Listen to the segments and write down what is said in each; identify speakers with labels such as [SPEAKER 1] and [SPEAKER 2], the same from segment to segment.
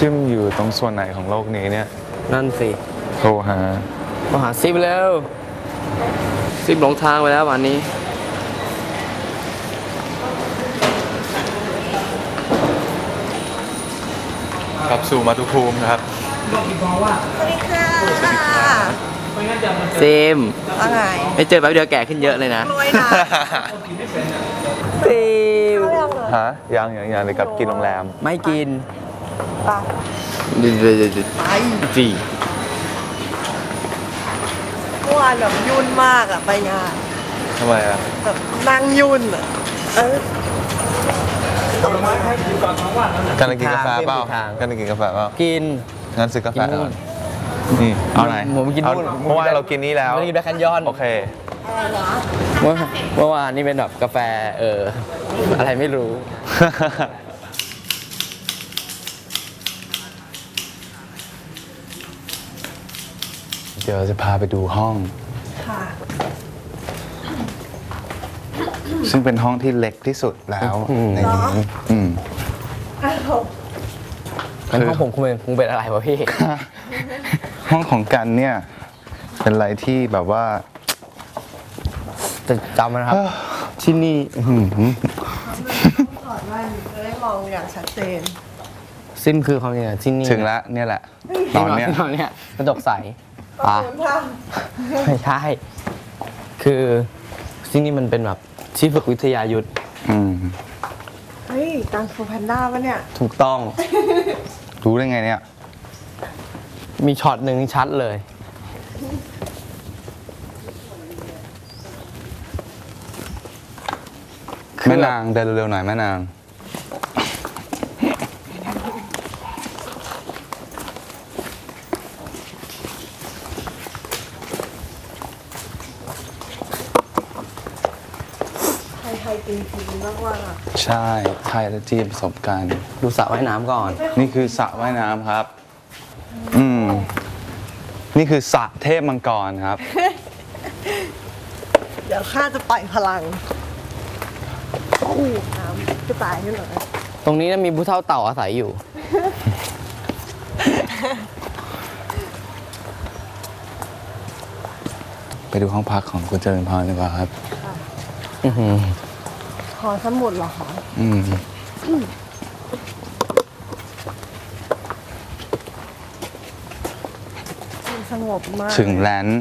[SPEAKER 1] ซิมอยู่ตรงส่วนไหนของโลกนี้เนี่ย
[SPEAKER 2] นั่นสิ
[SPEAKER 1] โทรหา
[SPEAKER 2] ซิมแล้วซิมหลงทางไปแล้ววันนี้
[SPEAKER 1] กลับสู่มาตุภูมินะครับ
[SPEAKER 3] สวัสดีค่ะ
[SPEAKER 2] ซิม
[SPEAKER 3] ว่าไง
[SPEAKER 2] ไม่เจอแป๊บเดียวแก่ขึ้นเยอะเลยนะ
[SPEAKER 3] รวยนะ
[SPEAKER 2] ซิม
[SPEAKER 1] ฮะยังเลยกลับกินโรงแรม
[SPEAKER 2] ไม่กิน
[SPEAKER 3] ไป
[SPEAKER 2] จี
[SPEAKER 3] เมื่อวานแบบยุ่นมากอะไปงาน
[SPEAKER 1] ทำไมอ่ะ
[SPEAKER 3] แบบนั่งยุ่นอะ
[SPEAKER 1] กันกินกาแฟเปล่ากันกินกาแฟเปล่า
[SPEAKER 2] กิน
[SPEAKER 1] งั้นซื้อกาแฟก่อนนี่เอาไหน
[SPEAKER 2] ผมกินนู่น
[SPEAKER 1] เมื่อวานเรากินนี้แล้ว
[SPEAKER 2] ไม่กินแบล็คแคนยอน
[SPEAKER 1] โอเค
[SPEAKER 2] เมื่อวานนี่เป็นแบบกาแฟอะไรไม่รู้
[SPEAKER 1] เดี๋ยวจะพาไปดูห้อง
[SPEAKER 3] ค่ะ
[SPEAKER 1] ซึ่งเป็นห้องที่เล็กที่สุดแล้วในนี้
[SPEAKER 2] งั้นห้องผมคงเป็นอะไรวะพี่
[SPEAKER 1] ห้องของกันเนี่ยเป็นอะไรที่แบบว่า
[SPEAKER 2] จะจำนะครับที่นี่
[SPEAKER 3] ถอดแว่นจะได้มองอย่างชัดเจน
[SPEAKER 2] ซิมคือความจริงที่นี่
[SPEAKER 1] ถึงแล้วเนี่ยแหละตอนเนี้
[SPEAKER 2] ยกระจกใสไม่ใช่คือที่นี่มันเป็นแบบที่ฝึกวิทยายุทธ
[SPEAKER 3] เฮ้ยกังฟูแพนด้าปะเนี่ย
[SPEAKER 2] ถูกต้อง
[SPEAKER 1] รู้ได้ไงเนี่ย
[SPEAKER 2] มีช็อตหนึ่งชัดเลย
[SPEAKER 1] แม่นางเดินเร็วๆหน่อยแม่นาง
[SPEAKER 3] ไทยจริงๆมากว่า
[SPEAKER 1] ใช่ไทยและจีนประสบการณ์
[SPEAKER 2] ดูสระว่ายน้ำก่อน
[SPEAKER 1] นี่คือสระว่ายน้ำครับนี่คือสระเทพมังกรครับ
[SPEAKER 3] เดี๋ยวข้าจะปล่อยพลังน้ำจะตายขึ้นหรอ
[SPEAKER 2] ตรงนี้มีผู้เฒ่าเต่าอาศัยอยู่
[SPEAKER 1] ไปดูห้องพักของคุณเจริญพรดีกว่าครับ
[SPEAKER 3] หอสมุดเหรอคะสงบมาก
[SPEAKER 1] ถึงแลนด์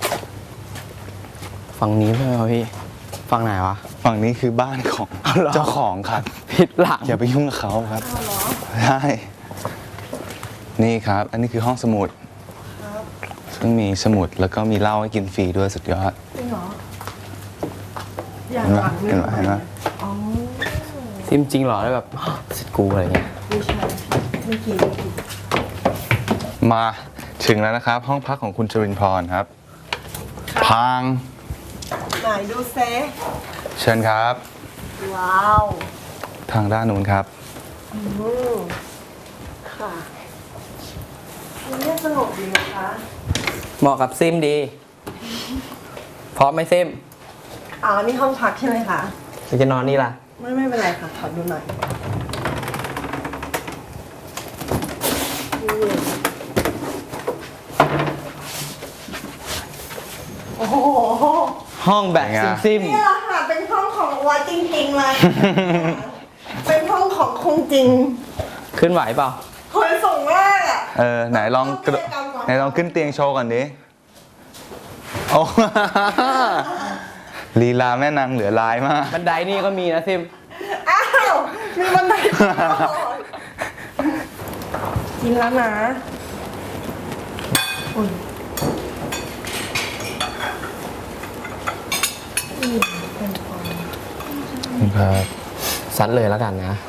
[SPEAKER 2] ฝั่งนี้ใช่ไหมพี่ฝั่งไหนวะ
[SPEAKER 1] ฝั่งนี้คือบ้านของเจ้าของครับ
[SPEAKER 2] ผิดหลัง
[SPEAKER 1] อย่าไปยุ่งกับเขาครับใช่นี่ครับอันนี้คือห้องสมุดซึ่งมีสมุดแล้วก็มีเหล้าให้กินฟรีด้วยสุดยอด
[SPEAKER 3] จริงเหรอ
[SPEAKER 1] เห็นไหม
[SPEAKER 2] ซิมจริงเหรอได้แบบสิทธิ์กูอะไรเงี้ย
[SPEAKER 3] ไม่ใช่ไม่กิน
[SPEAKER 1] มาถึงแล้วนะครับห้องพักของคุณจริญพรครับพัง
[SPEAKER 3] ไหนดูเซ
[SPEAKER 1] เชิญครับ
[SPEAKER 3] ว้าว
[SPEAKER 1] ทางด้านนู้นครับ
[SPEAKER 3] ค่ะนี่สงบดีนะคะ
[SPEAKER 2] เหมาะกับซิมดีพร้อมไหมซิม
[SPEAKER 3] นี่ห้องพักใช่ไหมคะ
[SPEAKER 2] จะนอนนี่ล่ะ
[SPEAKER 3] ไม่เป็นไรค่ะขอดูหน่อยโอ้โห
[SPEAKER 2] ห้องแบบซิม
[SPEAKER 3] นี่แหละค่ะเป็นห้องของวัดจริงๆเลยเป็นห้องของคงจริง
[SPEAKER 2] ขึ้นไหวเปล่า
[SPEAKER 3] คนส่งมาก
[SPEAKER 1] ไหนลองขึ้นเตียงโชว์ก่อนดิโอ้ลีลาแม่นางเหลือลายมาก
[SPEAKER 2] บันไดนี่ก็มีนะซิม
[SPEAKER 3] มีบันไดกินแล้วนะ
[SPEAKER 1] ครับ
[SPEAKER 2] ซัดเลยแล้วกันนะ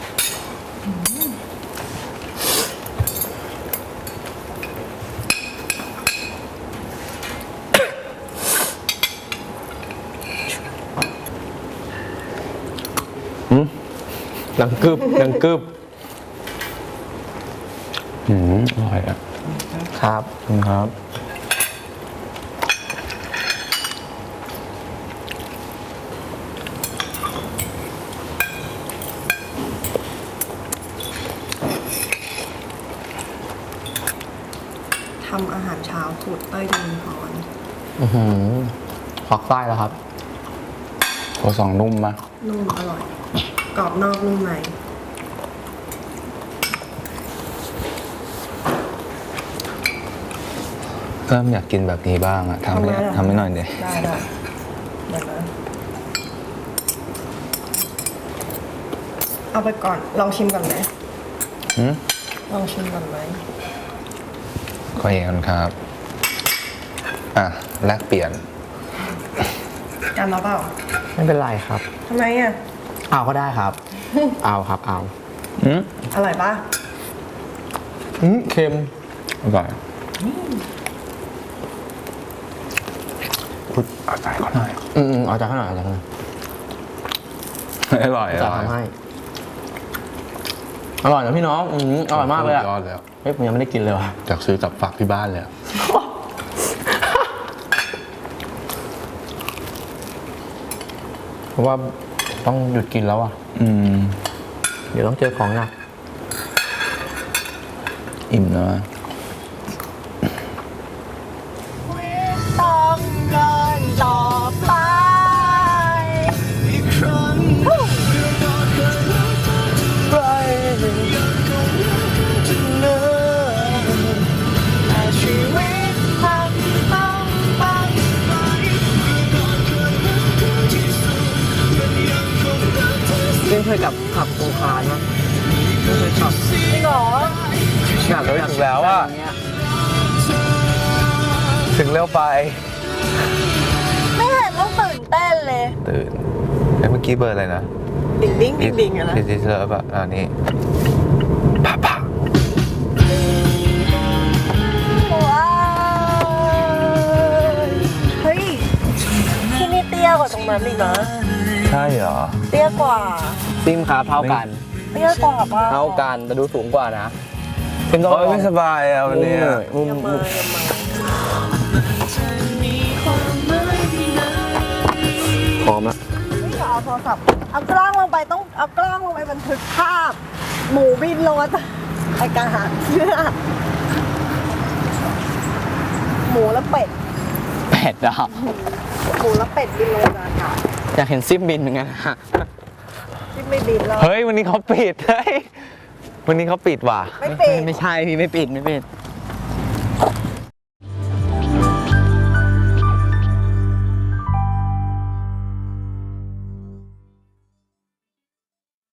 [SPEAKER 2] ดังกึบอ
[SPEAKER 1] ร่อยอ่ะ
[SPEAKER 2] ครับ
[SPEAKER 1] ครับ
[SPEAKER 3] ำอาหารเช้าสูตรเต้ยจรินพร
[SPEAKER 2] ควักไส้แล้วครับ
[SPEAKER 1] โคซองนุ่มมาก
[SPEAKER 3] นุ่มอร่อย กรอบนอกนุ่มใน
[SPEAKER 1] เริ่มอยากกินแบบนี้บ้างอะทำให้หน่อยเดียว
[SPEAKER 3] ได้เดี๋ยวนะเอาไปก่อน ลองชิมก่อนไหม
[SPEAKER 1] หืม
[SPEAKER 3] ลองชิมก่อนไหม
[SPEAKER 1] ก็เองครับ อ่ะ แลกเปลี่ยน
[SPEAKER 3] กันเราเปล่า
[SPEAKER 2] ไม่เป็นไรครับ
[SPEAKER 3] ทำไมอ่ะ
[SPEAKER 2] เอาก็ได้ครับ เอาครับเอา
[SPEAKER 3] อร่อยปะ
[SPEAKER 2] เค็ม
[SPEAKER 1] อร่อยพูดเอาใจเขาหน่อย
[SPEAKER 2] เอาจากข้างหน่อยเอาจากข้างหน่อย
[SPEAKER 1] อร่อย
[SPEAKER 2] จะทำให้ อร่อยนะพี่น้องอร่อยมากเลยอะ
[SPEAKER 1] ยอดแล้ว
[SPEAKER 2] เฮ้ยผมยังไม่ได้กินเลยว่ะ
[SPEAKER 1] จากซื้อกลับฝากที่บ้านเลยอะ
[SPEAKER 2] เพราะว่าต้องหยุดกินแล้วอ่ะ เดี๋ยวต้องเจอของหนัก
[SPEAKER 1] อิ่มแล้วอะ
[SPEAKER 3] ต้องเดินต่อไปชีวิตมันต้องไป
[SPEAKER 2] เล่นเคยกับขับโคคานมั้ยไม่เคยขับ
[SPEAKER 3] จริงเหรอ
[SPEAKER 2] อยากถึงแล้วอ่ะ
[SPEAKER 1] ถึงเร็วไป
[SPEAKER 3] ไม่เห็นต้องตื่นเต้นเลย
[SPEAKER 1] ตื่นเมื่อกี้เบอร์อะไรนะ
[SPEAKER 3] ดิ่งดิ่งดิ่งดิ่งอะนะ
[SPEAKER 1] ดิจิทัลป่ะอันนี้ผ่า
[SPEAKER 3] ว้าวเฮ้ย ที่นี่เตี้ยกว่าตรงนั้นอีกนะ
[SPEAKER 1] ใช่เหรอ
[SPEAKER 3] เตี้ยกว่า
[SPEAKER 2] ซิมครับเท่ากัน
[SPEAKER 3] เตี้ยกว่าป่ะ
[SPEAKER 2] เท่ากันแต่ดูสูงกว่านะซิมต้อง
[SPEAKER 1] โอ้ยไม่สบายอ่ะวันนี้
[SPEAKER 3] อย่ามาอย่ามา
[SPEAKER 2] พร้อมแล้ว
[SPEAKER 3] นี่เอาโทรศัพท์ เอากล้องลงไปต้องเอากล้องลงไปบันทึกภาพ หมูบินโลดไอการหาเชื่อหมูและเป็ด
[SPEAKER 2] เป็ดอ่ะ
[SPEAKER 3] หมูและเป็ดบินโลดอากาศ
[SPEAKER 2] อยากเห็นซิมบินเหมือนกันฮะ
[SPEAKER 3] ที่ไม่บินแล้ว
[SPEAKER 1] เฮ้ยวันนี้เขาปิดเฮ้ยวันนี้เขาปิดว่ะ
[SPEAKER 3] ไม่ปิด
[SPEAKER 2] ไม่ใช่พี่ไม่ปิด